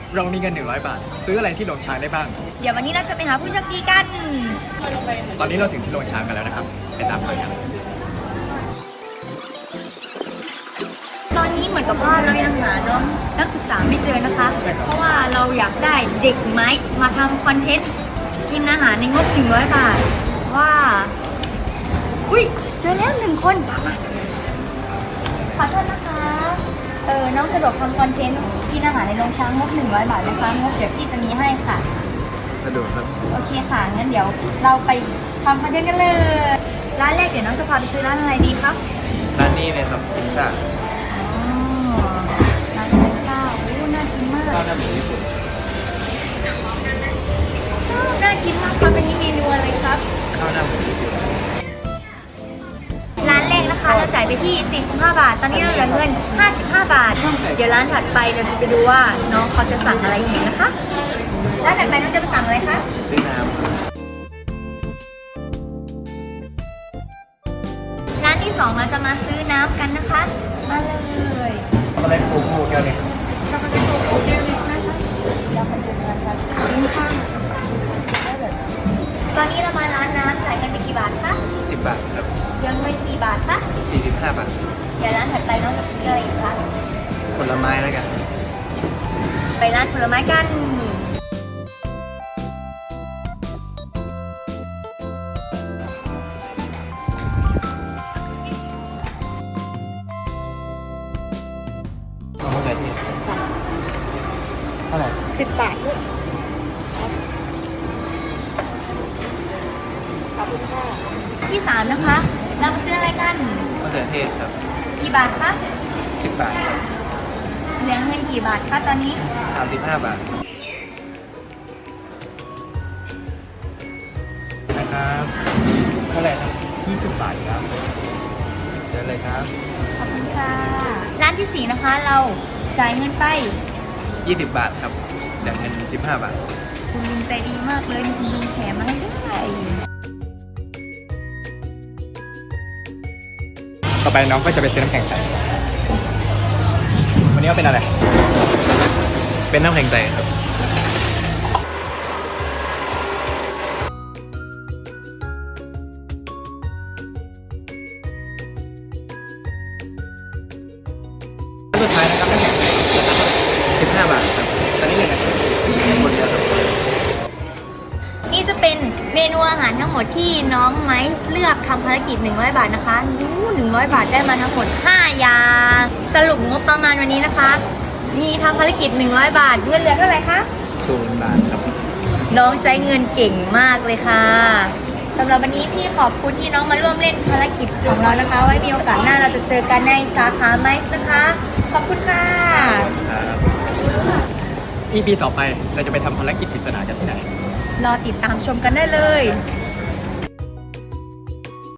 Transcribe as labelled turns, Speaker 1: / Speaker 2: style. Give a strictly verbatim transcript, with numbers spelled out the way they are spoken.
Speaker 1: เรามีเงินหนึ่งร้อยบาทซื้ออะไรที่โรงช้างได้บ้าง
Speaker 2: เดี๋ยววันนี้เราจะไปหาผู้โชคดีกัน
Speaker 1: ตอนนี้เราถึงที่โรงช้างกันแล้วนะครับไปตามไปกัน
Speaker 2: ตอนนี้เหมือนกับว่าเรายังหาน้องนักศึกษาไม่เจอนะคะเพราะว่าเราอยากได้เด็กไม้มาทำคอนเทนต์กินอาหารในงบหนึ่งร้อยบาทว่าอุ้ยเจอแล้วหนึ่งคนขอโทษนะคะเออน้องสะดวกทำคอนเทนต์กินอาหารในโรงช้างงบหนึ่งร้อยบาทนะคะงบเดี๋ยวพี่จะมีให้ค่ะ
Speaker 1: สะดวกครับ
Speaker 2: โอเคค่ะงั้นเดี๋ยวเราไปทำคอนเทนต์กันเลยร้านแรกเดี๋ยวน้องจะพาไปซื้อร้านอะไรดีครับ
Speaker 1: ร้านนี้เลยครับพิซซ่า
Speaker 2: ร้านเป็นข้าวโอ้น่ากินมาก
Speaker 1: ข้าวหน้าหมูญี่ปุ่น
Speaker 2: น่ากินมากครับเป็นเมนูอะไรครับ
Speaker 1: ข้าวหน้าหมูญี่ปุ่น
Speaker 2: ร้านแรกนะคะเราจ่ายไปที่สี่สิบห้าบาทตอนนี้เราเหลือเงินห้าสิบห้าบาทเดี๋ยวร้านถัดไปเราจะไปดูว่าน้องเขาจะสั่งอะไรอีกนะคะร้านถัดไปน้องจะไปสั่งอะไรคะ
Speaker 1: ซื้อน้
Speaker 2: ำร้านที่สองเราจะมาซื้อน้ำกันนะคะมาเลย
Speaker 1: ช็อกโกแลตโกโก้แก้วหนึ่ง
Speaker 2: ช็อกโกแลตโกโก้แก้วหนึ่งนะคะเราไปดูกันค่ะตอนนี้เรามาร้านน้ำจ่ายกันไปกี่บาทคะ
Speaker 1: สิบบาทครับ
Speaker 2: ยังไม่กี่บาทคะ
Speaker 1: สี่สิบห้าบาท
Speaker 2: เดี๋ยวร้านถัดไปน้องจะซื้ออะไรอีกคะ
Speaker 1: ผลไม้แล้วกัน
Speaker 2: ไปร้านผลไม้กัน
Speaker 1: เอาเท่าไหร่ที่เท่าไหร่
Speaker 2: สิบบาทด้วยขอบคุณค่ะที่สามนะคะเรามาซื้ออะไรกัน
Speaker 1: มะเขือเทศครับ
Speaker 2: กี่บาทคะ
Speaker 1: สิบบาทครับ
Speaker 2: เหลือเงินกี่บาทคะตอนนี้
Speaker 1: สามสิบห้าบาทนะครับเท่าไหร่ครับยี่สิบบาทครับเดี๋ยวเลยครับ
Speaker 2: ขอบคุณค่ะร้านที่สี่นะคะเราจ่ายเงินไป
Speaker 1: ยี่สิบบาทครับเดี๋ยวเงินสิบห้าบาท
Speaker 2: คุณลุงใจดีมากเลยมีคุณลุงแถมมาให้ด้วย
Speaker 1: ต่อไปน้องก็จะไปซื้อน้ำแข็งใสวันนี้เอาเป็นอะไรเป็นน้ำแข็งใสครับสุดท้ายนะครับน้ำแข็งสิบห้าบาทครับตอนนี้เลยนะหมดแล้วครับ
Speaker 2: นี่จะเป็นเมนูอาหารทั้งหมดที่น้องไม้เลือกทำภารกิจหนึ่งร้อยบาทนะคะนู้หนึ่งร้อยบาทได้มาทั้งหมดห้าอย่างสรุปงบประมาณวันนี้นะคะมีทำภารกิจหนึ่งร้อยบาทเงินเหลือเท่าไหร่คะ
Speaker 1: ศูนย์บาทครับ
Speaker 2: น้องใช้เงินเก่งมากเลยค่ะสำหรับวันนี้พี่ขอบคุณที่น้องมาร่วมเล่นภารกิจของเรานะคะไว้มีโอกาสหน้าเราจะเจอกันในสาขาไม้นะคะขอบคุณค่ะ
Speaker 1: อี พี ต่อไปเราจะไปทำภารกิจปริศนากันที่ไหน
Speaker 2: รอติดตามชมกันได้เลย